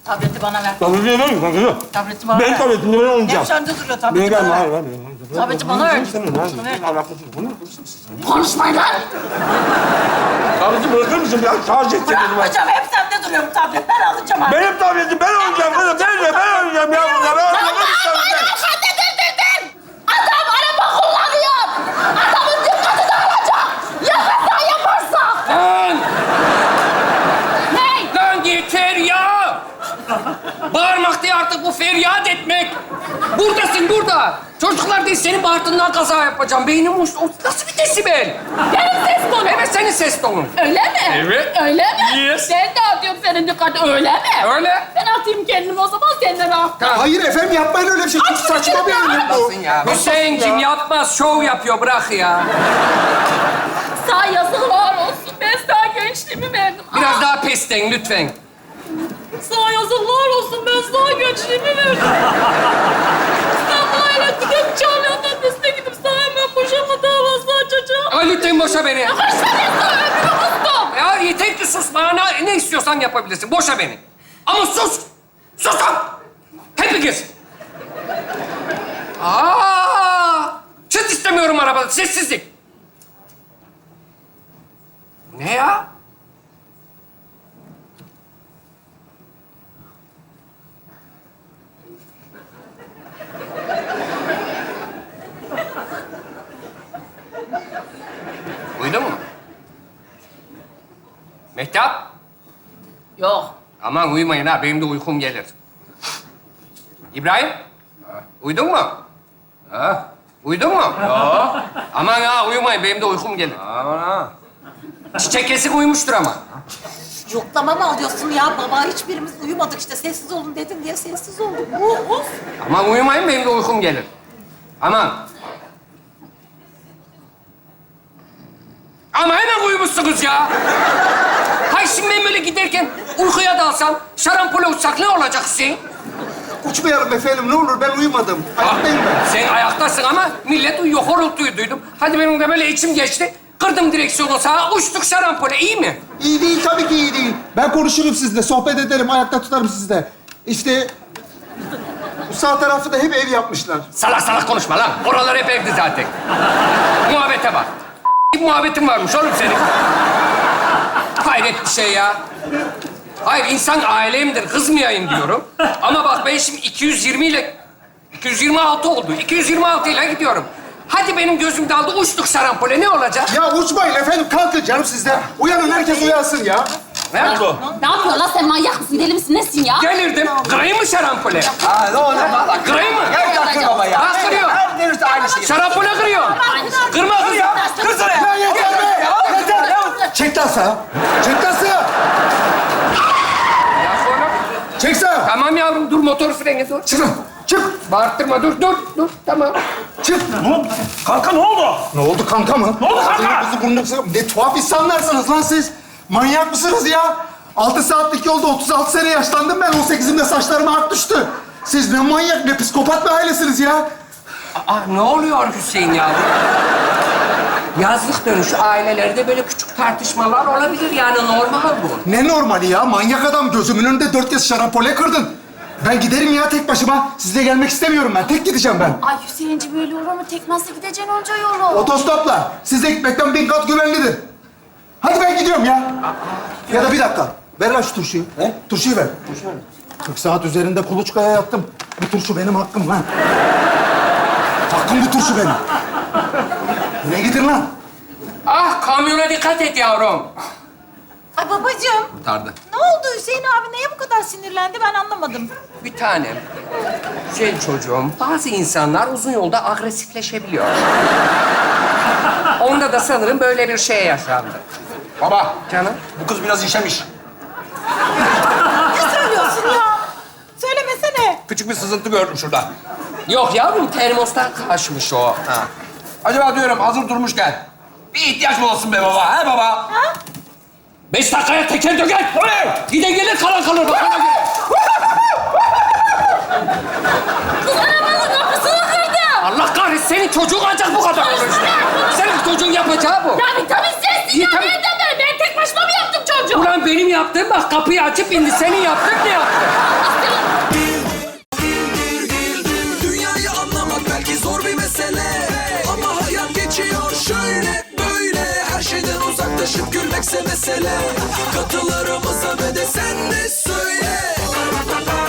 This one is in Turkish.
Tableti bana ver. Tableti ver mi? Tableti bana ver. Ben tabletimi ben alacağım. Hep sende duruyor. Tableti Ben bana ver. hayır. Tableti bana ver. Şunu ver. Konuşmayın lan. Tableti bırakır mısın? Ya şarj et. Bırakmayacağım. Hep sende duruyor bu tablet. Ben alacağım artık. Benim tabletim ben oynayacağım kızım. Ben oynayacağım ya bunları. Hanımefendi dur. Adam araba kullanıyor. Adamın dikkati dağılacak. Ya kaza yaparsa? Lan! Ney? Lan yeter ya! Bağırmak değil artık bu feryat etmek. Buradasın burada. Çocuklar değil senin bağırtığından kaza yapacağım. Beynim uçtu. O nasıl bir desibel? Benim ses tonum. Evet senin ses tonun. Öyle mi? Evet. Öyle mi? Yes. Sen de atıyorsun senin dikkati. Öyle mi? Öyle. Ben atayım kendimi o zaman senden al. Hayır efendim yapmayın öyle bir şey. Çok saçma bir önlem bu. Hüseyin'cim yapmaz. Şov yapıyor. Bırak ya. Sağ yazıklar olsun. Ben sana gençliğimi verdim. Biraz daha pesten lütfen. Sağ yazıklar olsun. Ben sana gençliğimi verdim. Sen bana gidip Çağlayan'ın annesine gidip sana hemen boşanma davası açacağım. Ay lütfen boşa beni. Kaç tane sana ömrümü kustum. Ya yeter ki sus. Bana ne istiyorsan yapabilirsin. Boşa beni. Ama sus. Susun. Hepiniz. Çıt istemiyorum arabada. Sessizlik. Ne ya? Duydun mu? Mehtap. Yok. Aman uyumayın ha, benim de uykum gelir. İbrahim, uyudun mu? Ha? Uyudun mu? Yok. Aman ha, uyumayın, benim de uykum gelir. Aman ha. Çiçek kesik uyumuştur ama. Yoklama mı alıyorsun ya? Baba hiçbirimiz uyumadık işte. Sessiz olun dedin diye sessiz olduk. Of. Aman uyumayın, benim de uykum gelir. Aman. Ama hemen uyumuşsunuz ya. Hay şimdi ben böyle giderken uykuya dalsam, şarampole uçsak ne olacak Hüseyin? Uçmayalım efendim ne olur ben uyumadım. Ayaktayım ben. Sen ayaktasın ama millet uyuyor, horultuyu duydum. Hadi benim de böyle içim geçti. Kırdım direksiyonu sağa, uçtuk şarampole. İyi mi? İyi değil tabii ki iyi değil. Ben konuşurum sizinle, sohbet ederim, ayakta tutarım sizi de. İşte bu sağ tarafı da hep ev yapmışlar. Salak salak konuşma lan. Oralar hep evdi zaten. Muhabbete bak. Muhabbetin varmış oğlum senin. Hayret bir şey ya. Hayır, insan ailemdir, kızmayayım diyorum. Ama bak ben şimdi 226 oldu. 226 ile gidiyorum. Hadi benim gözüm daldı, uçtuk şarampole. Ne olacak? Ya uçmayın efendim, kalkın canım sizden. Uyanın, herkes uyansın ya. Ne oldu? Ne yapıyorsun lan sen? Manyak mısın? Deli misin? Nesin ya? Gelirdim. Kırayım mı şarampole? Ha ne olur valla. Kırayım mı? Gel baba ya. Ha, kırıyor. Her dönüşte aynı şey. Şarampole kırıyor. Kırma kız. Kırsana Ya ya. yeter be! Yeter! Çek lan sağa. Çek lan sağa. Ya sonra... Çek sağa. Tamam yavrum, dur motor freni dur. Çık lan. Çık. Bağırttırma, dur, tamam. Çık. Kanka ne oldu? Ne oldu kanka mı? Ne oldu kanka? Ağzınızı burnunuzu... Ne tuhaf insanlarsınız lan siz. Manyak mısınız ya? 6 saatlik yolda 36 sene yaşlandım ben. 18'imde saçlarıma ak düştü. Siz ne manyak, ne psikopat bir ailesiniz ya. Ne oluyor Hüseyin ya? Yazlık dönüşü ailelerde böyle küçük tartışmalar olabilir yani normal bu. Ne normali ya? Manyak adam, gözümün önünde 4 kez şarampole kırdın. Ben giderim ya tek başıma. Sizle gelmek istemiyorum ben. Tek gideceğim ben. Ay Hüseyinci böyle olur mu? Tek nasıl gideceksin onca yolu? Otostopla. Size gitmekten 1000 kat güvenlidir. Hadi ben gidiyorum ya. Ya da bir dakika. Ver lan şu turşuyu. He? Turşuyu ver. 40 saat üzerinde kuluçkaya yattım. Bu turşu benim hakkım lan. Hakkım bu turşu benim. Ne gidin lan? Ah, kamyona dikkat et yavrum. Ay babacığım. Kurtardı. Ne oldu Hüseyin abi? Neye bu kadar sinirlendi? Ben anlamadım. Bir tanem. Güzel çocuğum, bazı insanlar uzun yolda agresifleşebiliyor. Onda da sanırım böyle bir şey yaşandı. Baba Canım. bu kız biraz işemiş. Ne söylüyorsun ya? Söylemesene. Küçük bir sızıntı gördüm şurada. Yok yavrum, termostan kaçmış o. Ha. Acaba diyorum hazır durmuşken bir ihtiyaç mı olsun be baba? He baba? 5 dakikaya teker döker. Gide gelir, kalan kalır. Bak ona göre. Kız arabanın kapısını kırdı. Allah kahretsin, senin çocuğun ancak bu kadar olur işte. Senin çocuğun yapacağı bu. Ya vitamin sensin İyi, ya. tabii. Nereden ben? Ben tek başıma mı yaptım çocuğu? Ulan benim yaptığım bak, kapıyı açıp indi. Senin yaptığın ne yaptı? gülmekse mesele. Katılarımıza ve de sen de söyle.